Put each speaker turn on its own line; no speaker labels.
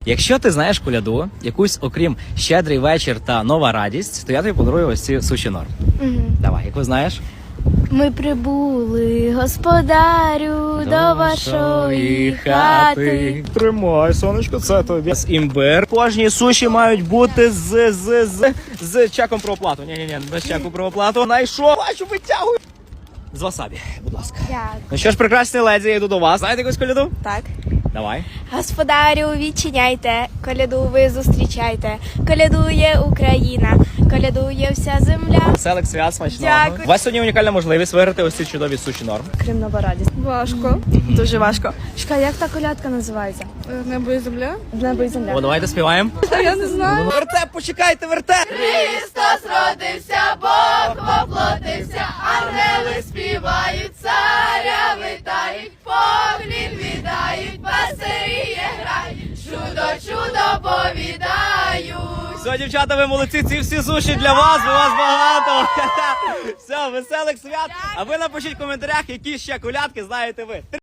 Якщо ти знаєш коляду, якусь окрім «Щедрий вечір» та «Нова радість», то я тобі подарую ось ці суші норм. Давай, яку знаєш?
Ми прибули, господарю, до вашої хати.
Тримай, сонечко, це тобі. З імбир. Кожні суші мають бути з чеком про оплату. Ні, без чеку про оплату. Найшов, бачу, витягую. З васабі, будь ласка.
Дякую.
Ну що ж, прекрасні леді, я йду до вас. Знаєте якусь коляду?
Так.
Давай.
Господарю, відчиняйте, коляду ви зустрічайте. Колядує Україна, колядує вся земля.
Веселих свят, смачного.
Дякую.
У вас сьогодні унікальна можливість виграти ось ці чудові суші норм.
Крім нова радість. Важко. Дуже важко. Чекай, як та колядка називається? Небо і земля? Небо і земля.
О, давайте співаємо.
Я не знаю.
Вертеп, почекайте, вертеп!
Христос родився, Бог воплотився, ангели співають, царя вітають, поклін віддають, пастирі грають, чудо повідають.
Все, дівчата, ви молодці, ці всі суші для вас, бо вас багато. Все, веселих свят. А ви напишіть в коментарях, які ще колядки знаєте ви.